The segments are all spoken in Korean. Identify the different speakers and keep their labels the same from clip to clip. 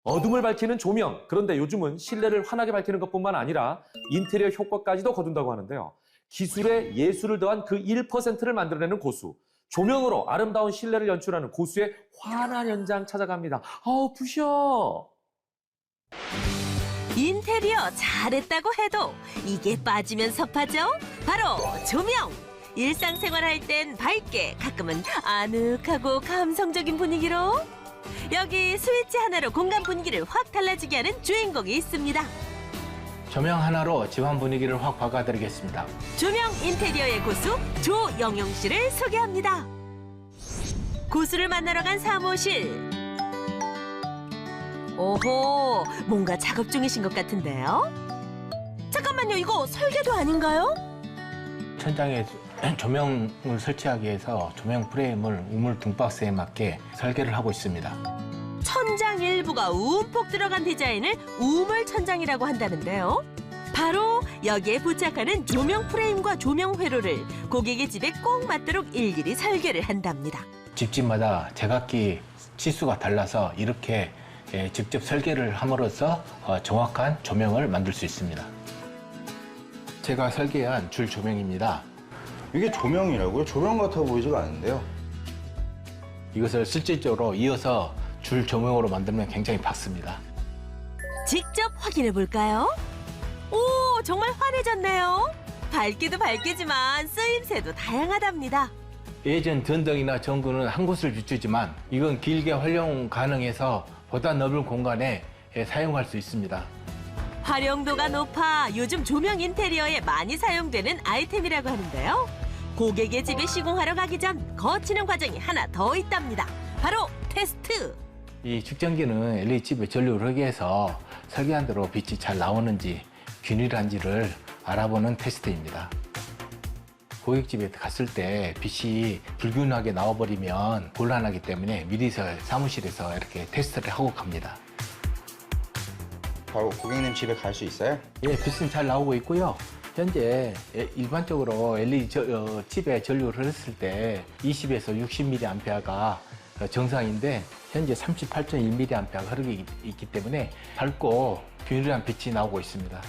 Speaker 1: 어둠을 밝히는 조명, 그런데 요즘은 실내를 환하게 밝히는 것뿐만 아니라 인테리어 효과까지도 거둔다고 하는데요. 기술에 예술을 더한 그 1%를 만들어내는 고수. 조명으로 아름다운 실내를 연출하는 고수의 환한 현장 찾아갑니다. 부셔!
Speaker 2: 인테리어 잘했다고 해도 이게 빠지면 섭하죠? 바로 조명! 일상생활 할 땐 밝게, 가끔은 아늑하고 감성적인 분위기로 여기 스위치 하나로 공간 분위기를 확 달라지게 하는 주인공이 있습니다.
Speaker 3: 조명 하나로 집안 분위기를 확 바꿔드리겠습니다.
Speaker 2: 조명 인테리어의 고수 조영용 씨를 소개합니다. 고수를 만나러 간 사무실. 오호, 뭔가 작업 중이신 것 같은데요? 잠깐만요, 이거 설계도 아닌가요?
Speaker 3: 천장에 조명을 설치하기 위해서 조명 프레임을 우물 등박스에 맞게 설계를 하고 있습니다.
Speaker 2: 천장 일부가 움푹 들어간 디자인을 우물 천장이라고 한다는데요. 바로 여기에 부착하는 조명 프레임과 조명 회로를 고객의 집에 꼭 맞도록 일일이 설계를 한답니다.
Speaker 3: 집집마다 제각기 치수가 달라서 이렇게 직접 설계를 함으로써 정확한 조명을 만들 수 있습니다. 제가 설계한 줄 조명입니다.
Speaker 4: 이게 조명이라고요? 조명 같아 보이지가 않는데요.
Speaker 3: 이것을 실질적으로 이어서 줄 조명으로 만들면 굉장히 밝습니다.
Speaker 2: 직접 확인해 볼까요? 오, 정말 환해졌네요. 밝기도 밝기지만 쓰임새도 다양하답니다.
Speaker 3: 예전 전등이나 전구는 한 곳을 비추지만 이건 길게 활용 가능해서 보다 넓은 공간에 사용할 수 있습니다.
Speaker 2: 활용도가 높아 요즘 조명 인테리어에 많이 사용되는 아이템이라고 하는데요. 고객의 집에 시공하러 가기 전 거치는 과정이 하나 더 있답니다. 바로 테스트.
Speaker 3: 이 측정기는 LED 칩에 전류를 흐게 해서 설계한 대로 빛이 잘 나오는지 균일한지를 알아보는 테스트입니다. 고객 집에 갔을 때 빛이 불균하게 나와버리면 곤란하기 때문에 미리서 사무실에서 이렇게 테스트를 하고 갑니다.
Speaker 4: 바로 고객님 집에 갈 수 있어요?
Speaker 3: 예, 빛은 잘 나오고 있고요. 현재 일반적으로 LED 칩에 전류를 흘렸을 때 20에서 60mA가 정상인데 현재 38.1mA가 흐르고 있기 때문에 밝고 균일한 빛이 나오고 있습니다.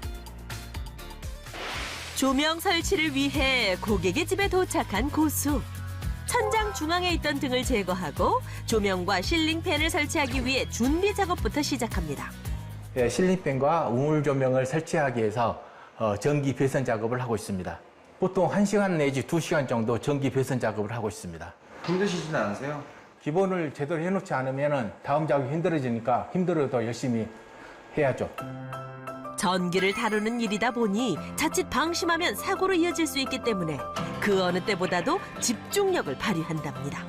Speaker 2: 조명 설치를 위해 고객의 집에 도착한 고수. 천장 중앙에 있던 등을 제거하고 조명과 실링팬을 설치하기 위해 준비 작업부터 시작합니다.
Speaker 3: 예, 실링팬과 우물 조명을 설치하기 위해서 전기 배선 작업을 하고 있습니다. 보통 1시간 내지 2시간 정도 전기 배선 작업을 하고 있습니다.
Speaker 4: 힘드시진 않으세요?
Speaker 3: 기본을 제대로 해놓지 않으면 다음 작업이 힘들어지니까 힘들어도 열심히 해야죠.
Speaker 2: 전기를 다루는 일이다 보니 자칫 방심하면 사고로 이어질 수 있기 때문에 그 어느 때보다도 집중력을 발휘한답니다.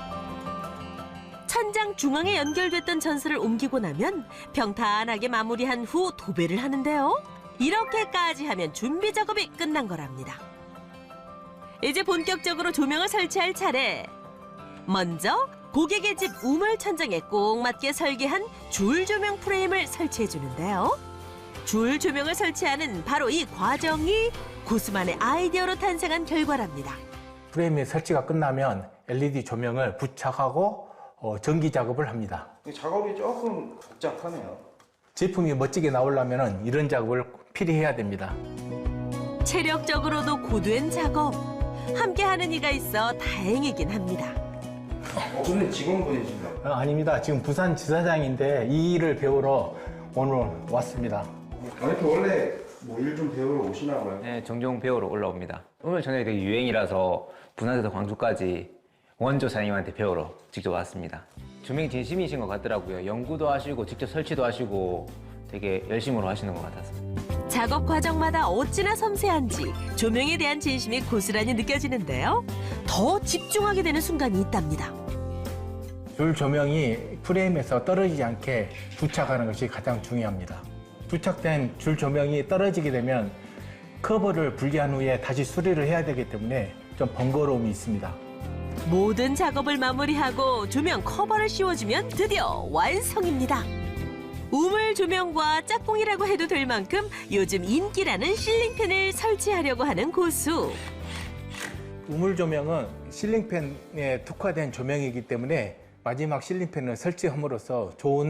Speaker 2: 천장 중앙에 연결됐던 전선을 옮기고 나면 평탄하게 마무리한 후 도배를 하는데요. 이렇게까지 하면 준비 작업이 끝난 거랍니다. 이제 본격적으로 조명을 설치할 차례. 먼저 고객의 집 우물 천장에 꼭 맞게 설계한 줄 조명 프레임을 설치해 주는데요. 줄 조명을 설치하는 바로 이 과정이 고수만의 아이디어로 탄생한 결과랍니다.
Speaker 3: 프레임의 설치가 끝나면 LED 조명을 부착하고 전기 작업을 합니다.
Speaker 4: 작업이 조금 복잡하네요.
Speaker 3: 제품이 멋지게 나오려면 이런 작업을 필히 해야 됩니다.
Speaker 2: 체력적으로도 고된 작업. 함께하는 이가 있어 다행이긴 합니다.
Speaker 4: 근데 직원분이신가요?
Speaker 3: 아닙니다. 지금 부산 지사장인데 이 일을 배우러 오늘 왔습니다.
Speaker 4: 이렇게 원래 뭐 일 좀 배우러 오시나 봐요?
Speaker 5: 네, 종종 배우러 올라옵니다. 오늘 저녁에 되게 유행이라서 부산에서 광주까지 원조 사장님한테 배우러 직접 왔습니다. 조명 진심이신 것 같더라고요. 연구도 하시고 직접 설치도 하시고 되게 열심으로 하시는 것 같아서.
Speaker 2: 작업 과정마다 어찌나 섬세한지 조명에 대한 진심이 고스란히 느껴지는데요. 더 집중하게 되는 순간이 있답니다.
Speaker 3: 줄 조명이 프레임에서 떨어지지 않게 부착하는 것이 가장 중요합니다. 부착된 줄 조명이 떨어지게 되면 커버를 분리한 후에 다시 수리를 해야 되기 때문에 좀 번거로움이 있습니다.
Speaker 2: 모든 작업을 마무리하고 조명 커버를 씌워주면 드디어 완성입니다. 우물 조명과 짝꿍이라고 해도 될 만큼 요즘 인기라는 실링팬을 설치하려고 하는 고수.
Speaker 3: 우물 조명은 실링팬에 특화된 조명이기 때문에 마지막 실링팬을 설치함으로써 좋은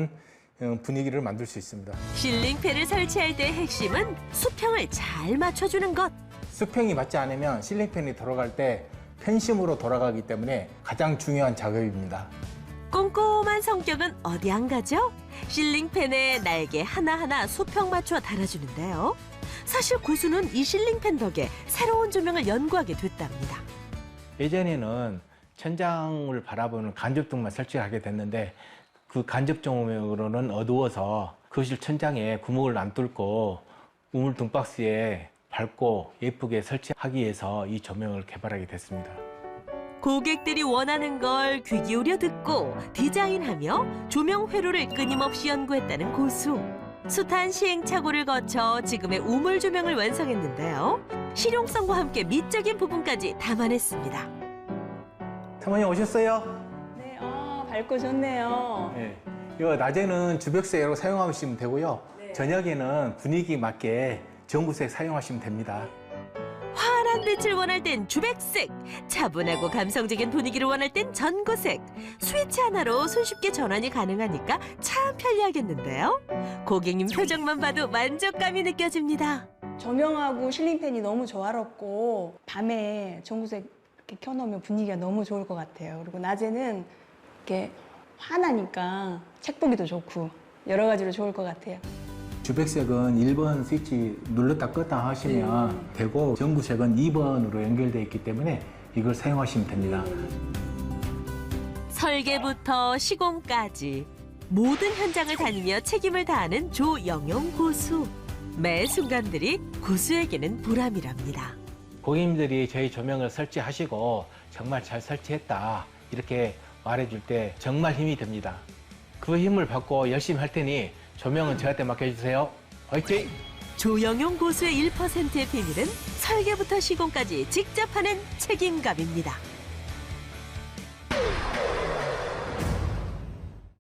Speaker 3: 분위기를 만들 수 있습니다.
Speaker 2: 실링팬을 설치할 때 핵심은 수평을 잘 맞춰주는 것.
Speaker 3: 수평이 맞지 않으면 실링팬이 돌아갈 때 펜심으로 돌아가기 때문에 가장 중요한 작업입니다.
Speaker 2: 꼼꼼한 성격은 어디 안 가죠? 실링팬에 날개 하나하나 수평 맞춰 달아주는데요. 사실 고수는 이 실링팬 덕에 새로운 조명을 연구하게 됐답니다.
Speaker 3: 예전에는 천장을 바라보는 간접등만 설치하게 됐는데 그 간접 조명으로는 어두워서 거실 천장에 구멍을 안 뚫고 우물 등박스에 밝고 예쁘게 설치하기 위해서 이 조명을 개발하게 됐습니다.
Speaker 2: 고객들이 원하는 걸 귀 기울여 듣고 디자인하며 조명 회로를 끊임없이 연구했다는 고수. 숱한 시행착오를 거쳐 지금의 우물 조명을 완성했는데요. 실용성과 함께 미적인 부분까지 담아냈습니다.
Speaker 3: 사모님 오셨어요?
Speaker 6: 네, 밝고 좋네요.
Speaker 3: 네. 이거 낮에는 주백색으로 사용하시면 되고요.
Speaker 6: 네.
Speaker 3: 저녁에는 분위기 맞게 전구색 사용하시면 됩니다.
Speaker 2: 환한 빛을 원할 땐 주백색, 차분하고 감성적인 분위기를 원할 땐 전구색. 스위치 하나로 손쉽게 전환이 가능하니까 참 편리하겠는데요. 고객님 표정만 봐도 만족감이 느껴집니다.
Speaker 6: 조명하고 실링팬이 너무 조화롭고 밤에 전구색 이렇게 켜놓으면 분위기가 너무 좋을 것 같아요. 그리고 낮에는 이렇게 환하니까 책 보기도 좋고 여러 가지로 좋을 것 같아요.
Speaker 3: 주백색은 1번 스위치 눌렀다 껐다 하시면 되고 전구색은 2번으로 연결되어 있기 때문에 이걸 사용하시면 됩니다.
Speaker 2: 설계부터 시공까지 모든 현장을 다니며 책임을 다하는 조영용 고수. 매 순간들이 고수에게는 보람이랍니다.
Speaker 3: 고객님들이 저희 조명을 설치하시고 정말 잘 설치했다 이렇게 말해줄 때 정말 힘이 됩니다. 그 힘을 받고 열심히 할 테니 조명은 저한테 맡겨주세요. 화이팅!
Speaker 2: 조영용 고수의 1%의 비밀은 설계부터 시공까지 직접 하는 책임감입니다.